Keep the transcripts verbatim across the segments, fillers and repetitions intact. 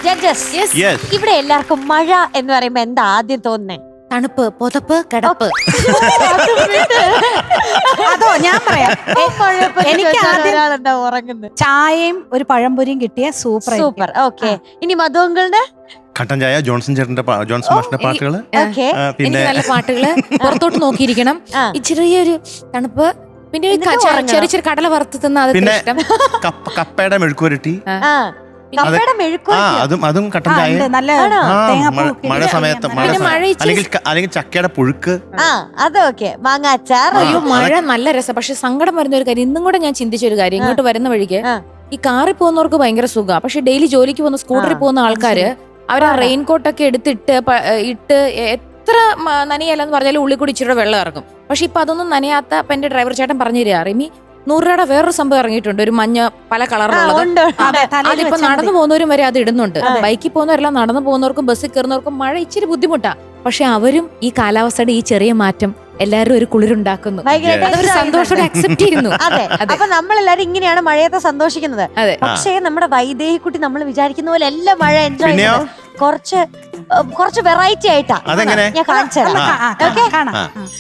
Judges, ഇവിടെ എല്ലാവർക്കും മഴ എന്ന് പറയുമ്പോ എന്താ ആദ്യം തോന്നുന്നേ? തണുപ്പ്, പുതപ്പ്, കിടപ്പ്. അതോ ഞാൻ പറയാം, എനിക്ക് ഒരാളെന്താ ഉറങ്ങുന്നത്? ചായയും ഒരു പഴംപൊരിയും കിട്ടിയ സൂപ്പർ സൂപ്പർ. ഓക്കെ, ഇനി മധുങ്കളുടെ കട്ടൻ ചായ, ജോൺസൺ ചേട്ടന്റെ ജോൺസൺ മാഷിന്റെ പാട്ടുകള്, പിന്നെ നല്ല പാട്ടുകള്, പുറത്തോട്ട് നോക്കിയിരിക്കണം, ചെറിയൊരു തണുപ്പ്, പിന്നെ ചെറിയ ചെറിയ കടല വറുത്ത് തിന്ന, പിന്നെ കപ്പയുടെ മെഴുക്കുവരട്ടി, അതും അതും കട്ടൻ ചായ, മഴ സമയത്ത് മഴ അല്ലെങ്കിൽ അല്ലെങ്കിൽ ചക്കയുടെ പുഴുക്ക്, അതൊക്കെ മാങ്ങാച്ചാർ. അയ്യോ മഴ നല്ല രസം. പക്ഷെ സങ്കടം വരുന്ന ഒരു കാര്യം, ഇന്നും കൂടെ ഞാൻ ചിന്തിച്ച ഒരു കാര്യം, ഇങ്ങോട്ട് വരുന്ന വഴിക്ക് ഈ കാറിൽ പോകുന്നവർക്ക് ഭയങ്കര സുഖമാണ്, പക്ഷെ ഡെയിലി ജോലിക്ക് പോകുന്ന സ്കൂട്ടറിൽ പോകുന്ന ആൾക്കാര് അവർ ആ റെയിൻകോട്ടൊക്കെ എടുത്തിട്ട് ഇട്ട് എത്ര നനയല്ലെന്ന് പറഞ്ഞാലും ഉള്ളിൽ കൂടി ഇച്ചിരി വെള്ളം ഇറങ്ങും. പക്ഷെ ഇപ്പൊ അതൊന്നും നനയാത്ത അപ്പൊ എന്റെ ഡ്രൈവർ ചേട്ടൻ പറഞ്ഞു തരിക, റിമി നൂറ് രൂപയുടെ വേറൊരു സംഭവം ഇറങ്ങിയിട്ടുണ്ട്, ഒരു മഞ്ഞ പല കളറുള്ളത്. അതിപ്പോ നടന്നു പോകുന്നവരും വരെ അത് ഇടുന്നുണ്ട്. ബൈക്കിൽ പോകുന്നവരെല്ലാം നടന്നു പോകുന്നവർക്കും ബസ്സിൽ കയറുന്നവർക്കും മഴ ഇച്ചിരി ബുദ്ധിമുട്ടാ, പക്ഷെ അവരും ഈ കാലാവസ്ഥയുടെ ഈ ചെറിയ മാറ്റം എല്ലാവരും ഒരു കുളിരുണ്ടാക്കുന്നു, സന്തോഷത്തോടെ അക്സെപ്റ്റ് ചെയ്യുന്നു. അതെ, അപ്പൊ നമ്മളെല്ലാരും ഇങ്ങനെയാണ് മഴയത്തെ സന്തോഷിക്കുന്നത്. പക്ഷേ നമ്മുടെ വൈദേഹിക്കുട്ടി നമ്മൾ വിചാരിക്കുന്ന പോലെ എല്ലാ മഴ എൻജോയ് ചെയ്യുന്നത് കുറച്ച് കുറച്ച് വെറൈറ്റി ആയിട്ടാ. ഞാൻ കാണിച്ചു തരാം.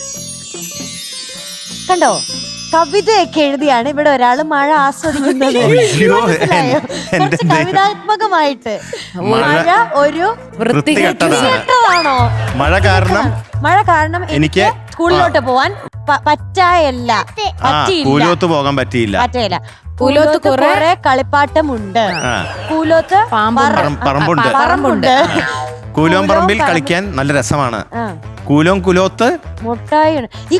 കണ്ടോ, കവിതയൊക്കെ എഴുതിയാണ് ഇവിടെ ഒരാള് മഴ ആസ്വദിക്കുന്നത്. കുറച്ച് കവിതാത്മകമായിട്ട് മഴ ഒരു വൃത്തികെട്ടതാണോ? മഴ കാരണം മഴ കാരണം എനിക്ക് സ്കൂളിലോട്ട് പോവാൻ പറ്റായല്ല, കൂലോത്ത് പോകാൻ പറ്റിയില്ല പറ്റില്ല. കൂലോത്ത് കുറെ കളിപ്പാട്ടമുണ്ട്, കൂലോത്ത് പറമ്പുണ്ട് പറമ്പുണ്ട് കൂലോം പറമ്പിൽ കളിക്കാൻ നല്ല രസമാണ്. കൂലോം കുലോത്ത് മുട്ടായി. ഈ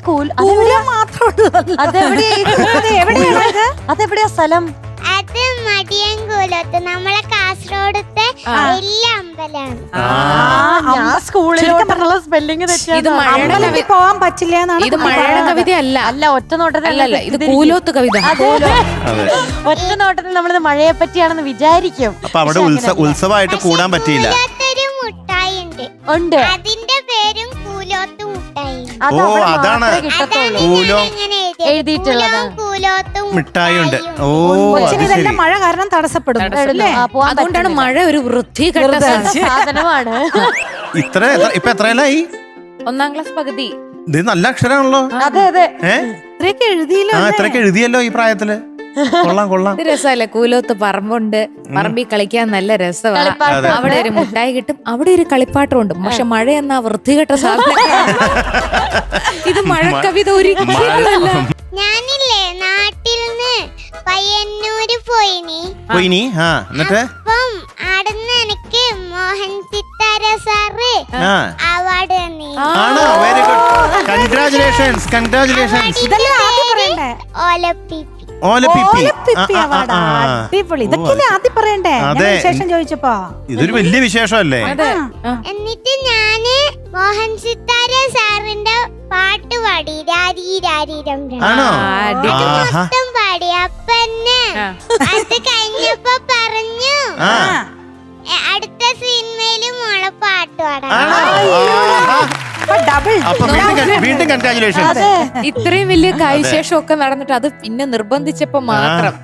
അതെവിടെയാ സ്ഥലം? അത് മടിയൻകൂലത്ത്, നമ്മളെ കാസർഗോഡത്തെ വലിയ അമ്പലമാണ്. ഞാൻ സ്കൂളിലോട്ടുള്ള സ്പെല്ലിംഗ് തെറ്റി പോവാൻ പറ്റില്ല എന്നാണ്. ഇത് മഴയുടെ കവിത അല്ല, അല്ല ഒറ്റ നോട്ടത്തിൽ ഇത് കൂലോത്ത് കവിത. ഒറ്റ നോട്ടത്തിൽ നമ്മളിത് മഴയെ പറ്റിയാണെന്ന് വിചാരിക്കും. അപ്പൊ അവിടെ ഉത്സവമായിട്ട് കൂടാൻ പറ്റിയില്ല. മുട്ടായി ഉണ്ട്, ഉണ്ട്, അതിന്റെ പേരും കൂലോത്ത് മുട്ടായി. ഓ അതാണ് കൂലോം എഴുതിയിട്ടുള്ളത്, മിഠായി ഉണ്ട്. ഓ ഇതെല്ലാം മഴ കാരണം തടസ്സപ്പെടും, അതുകൊണ്ടാണ് മഴ ഒരു വൃത്തികെട്ട സാധനമാണ്. ഇത്ര ഇപ്പൊ എത്രയല്ലായി? ഒന്നാം ക്ലാസ് പകുതി. ഇത് നല്ല അക്ഷരമാണല്ലോ. അതെ അതെ, ഇത്രയൊക്കെ എഴുതിയല്ലോ. ആ ഇത്രയൊക്കെ എഴുതിയല്ലോ ഈ പ്രായത്തില്. കൊള്ളാം കൊള്ളാം. രസമല്ലേ? കൂലോത്ത് പറമ്പുണ്ട്, പറമ്പിൽ കളിക്കാൻ നല്ല രസമാണ്. അവിടെ ഒരു മുട്ടായി കിട്ടും, അവിടെ ഒരു കളിപ്പാട്ടം ഉണ്ട്. പക്ഷെ മഴ എന്നാ വൃത്തികെട്ട സാധനം. ഇത് മഴ കവിത ഒരിക്കലല്ല. ഞാനില്ലേ നാട്ടിൽ നിന്ന് പയ്യന്നൂര് പോയിനി പോയിനി ആ എന്നിട്ട് അപ്പം ആടുന്ന് എനിക്ക് മോഹൻ സിത്താര സാറ് അവാർഡ് തന്നി. ആണോ? Very good, congratulations congratulations. ഇതെല്ലാം ആദ്യം പറയണ്ടേ? ഓലപ്പിപ്പി ഓലപ്പിപ്പി അവാർഡ്. അടിപൊളി. ഇതൊക്കെ ആദ്യം പറയണ്ടേ? വിശേഷം ചോദിച്ചപ്പോ ഇതൊരു വലിയ വിശേഷമല്ലേ? എന്നിട്ട് ഞാന് മോഹൻ സിത്താര സാറിന്റെ പാട്ട് പാടി, രാരി രാരി മൊത്തം പാടി. അപ്പന്നെ അത് കഴിഞ്ഞപ്പോ പറഞ്ഞു അടുത്ത സിനിമയില് മോളെ പാട്ട് പാടാം. ഇത്രയും വലിയ കാര്യശേഷം ഒക്കെ നടന്നിട്ട് അത് പിന്നെ നിർബന്ധിച്ചപ്പോ മാത്രം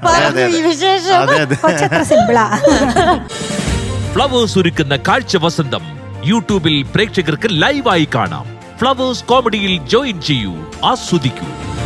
ഫ്ലവേഴ്സ് ഒരുക്കുന്ന കാഴ്ച വസന്തം യൂട്യൂബിൽ പ്രേക്ഷകർക്ക് ലൈവായി കാണാം. ഫ്ലവേഴ്സ് കോമഡിയിൽ ജോയിൻ ചെയ്യൂ, ആസ്വദിക്കൂ.